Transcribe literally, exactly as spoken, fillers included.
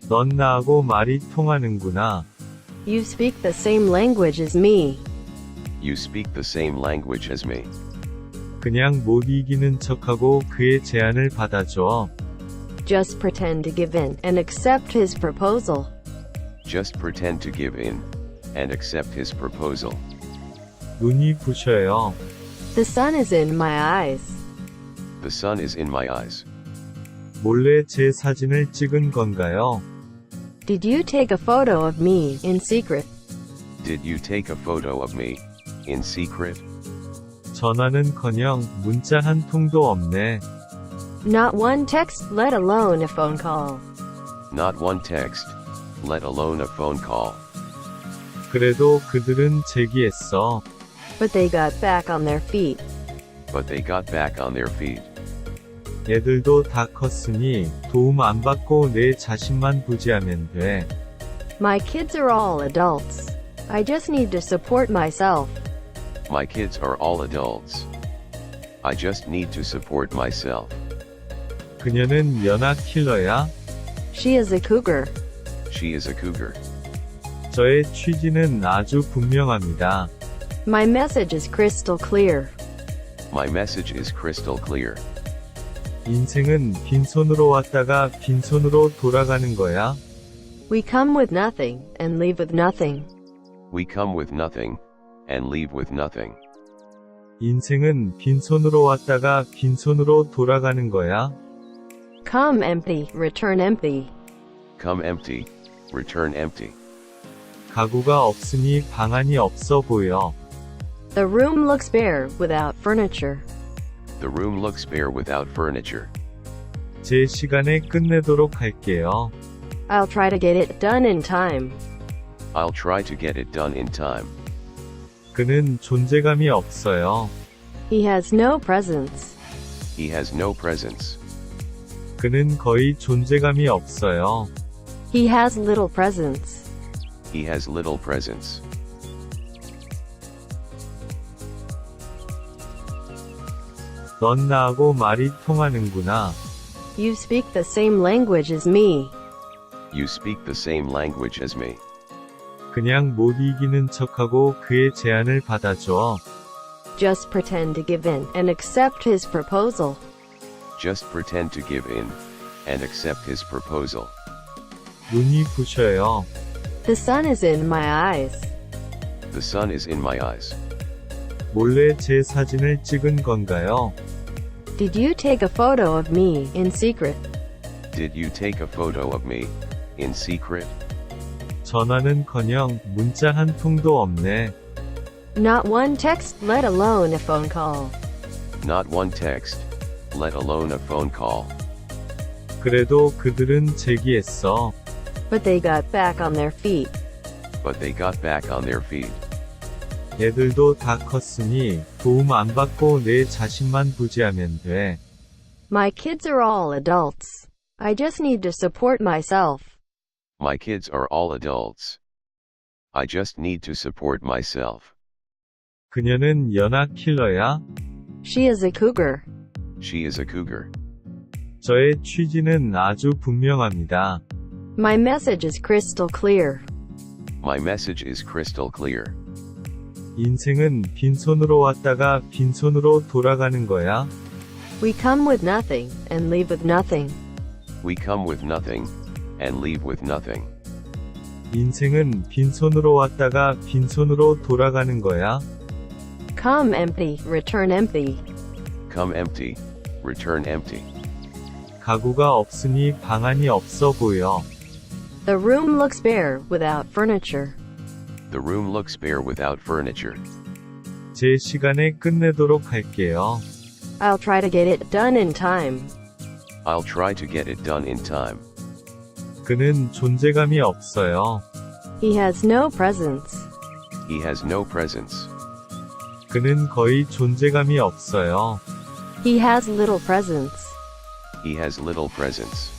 넌 나하고 말이 통하는구나. You speak the same language as me. You speak the same language as me. 그냥 못 이기는 척하고 그의 제안을 받아줘. Just pretend to give in and accept his proposal. Just pretend to give in and accept his proposal. 눈이 부셔요. The sun is in my eyes. The sun is in my eyes. 몰래 제 사진을 찍은 건가요? Did you take a photo of me in secret? Did you take a photo of me in secret? 전화는커녕 문자 한 통도 없네. Not one text, let alone a phone call. Not one text, let alone a phone call. 그래도 그들은 제기했어. But they got back on their feet. But they got back on their feet. 애들도 다 컸으니 도움 안 받고 내 자신만 부지하면 돼. My kids are all adults. I just need to support myself. My kids are all adults. I just need to support myself. 그녀는 연하 킬러야? She is a cougar. She is a cougar. 저의 취지는 아주 분명합니다. My message is crystal clear. My message is crystal clear. 인생은 빈손으로 왔다가 빈손으로 돌아가는 거야. We come with nothing and leave with nothing. We come with nothing and leave with nothing. 인생은 빈손으로 왔다가 빈손으로 돌아가는 거야. Come empty, return empty. Come empty, return empty. 가구가 없으니 방안이 없어 보여. The room looks bare without furniture. The room looks bare without furniture. 제 시간에 끝내도록 할게요. I'll try to get it done in time. I'll try to get it done in time. 그는 존재감이 없어요. He has no presence. He has no presence. 그는 거의 존재감이 없어요. He has little presence. He has little presence. 넌 나하고 말이 통하는구나. You speak the same language as me. You speak the same language as me. 그냥 못 이기는 척하고 그의 제안을 받아줘. Just pretend to give in and accept his proposal. Just pretend to give in and accept his proposal. 눈이 부셔요. The sun is in my eyes. The sun is in my eyes. 몰래 제 사진을 찍은 건가요? Did you take a photo of me in secret? Did you take a photo of me in secret? 전화는커녕 문자 한 통도 없네. Not one text, let alone a phone call. Not one text, let alone a phone call. 그래도 그들은 제기했어. But they got back on their feet. But they got back on their feet. 애들도 다 컸으니 도움 안 받고 내 자신만 부지하면 돼. My kids are all adults. I just need to support myself. My kids are all adults. I just need to support myself. 그녀는 연하 킬러야? She is a cougar. She is a cougar. 저의 취지는 아주 분명합니다. My message is crystal clear. My message is crystal clear. 인생은 빈손으로 왔다가 빈손으로 돌아가는 거야. We come with nothing and leave with nothing. We come with nothing and leave with nothing. 인생은 빈손으로 왔다가 빈손으로 돌아가는 거야. Come empty, return empty. Come empty, return empty. 가구가 없으니 방안이 없어 보여. The room looks bare without furniture. The room looks bare without furniture. 제 시간에 끝내도록 할게요. I'll try to get it done in time. I'll try to get it done in time. 그는 존재감이 없어요. He has no presence. He has no presence. 그는 거의 존재감이 없어요. He has little presence. He has little presence.